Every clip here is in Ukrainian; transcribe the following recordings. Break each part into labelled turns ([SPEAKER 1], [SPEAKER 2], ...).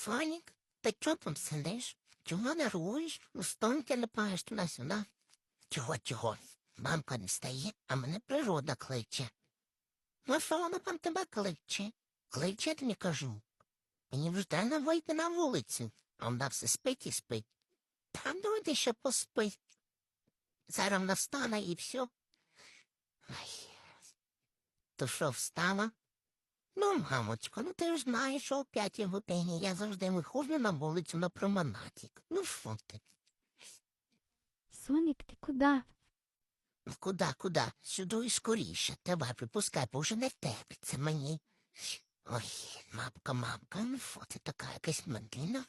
[SPEAKER 1] Сонік, ти чого там сидиш? Чого нервуєш? Стон телепаєш туди-сюди? Чого? Мамка не стає, а мене природа кличе. Ну, що вона там тебе кличе? Кличе, я тобі кажу. Мені вже треба вийти на вулицю, а вона все спить і спить. Там давайте ще поспить. Зараз вона встане і все. Ай. То що, встала? Ну, мамочко, ну ти ж знаєш, що о 5 годині я завжди виходжу на вулицю на променадік. Ну, що ти?
[SPEAKER 2] Сонік, ти куди?
[SPEAKER 1] Ну, куди? Сюди і скоріше. Давай, припускай, бо вже не терпиться мені. Ой, мамка, ну що ти така якась медлінна?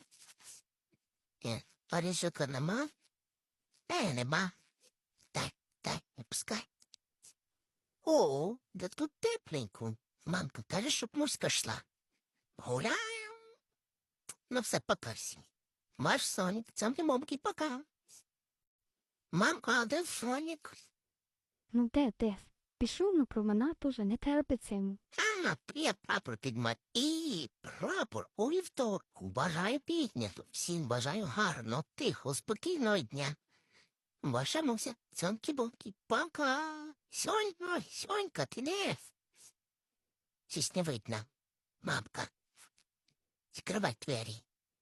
[SPEAKER 1] Оріжика нема? Нема. Дай, не пускай. О, да тут тепленько. Мамка каже, щоб муська йшла. Гуляємо. Ну все, пока всі. Ваш Сонік, цьомки-момки, пока. Мамка, а де Сонік?
[SPEAKER 2] Ну де? Пішов на променад уже, не терпиться йому.
[SPEAKER 1] Я прапор підмать. І прапор у вівторку. Бажаю піднято. Всім бажаю гарно, тихо, спокійного дня. Ваша Муся, цьомки-бомки, пока. Сонька, ти де? Щось не видно. Мамка, відкривай двері.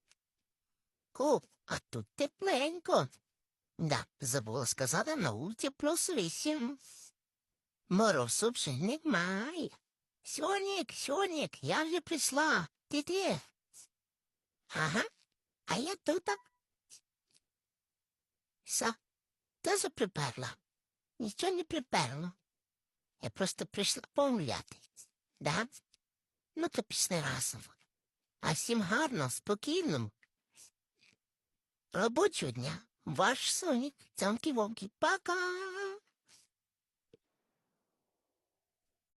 [SPEAKER 1] А тут тепленько. Да, забула сказати, на вулиці +8. Морозу вже немає. Сонік, я вже прийшла. Ти де? Ага, а я тут. Теж приперла? Нічого не приперло. Я просто прийшла погуляти. Да? Ну, то пішли разом. А всім гарно, спокійно. Робочого дня. Ваш Сонік, цьомки-вомки, пока.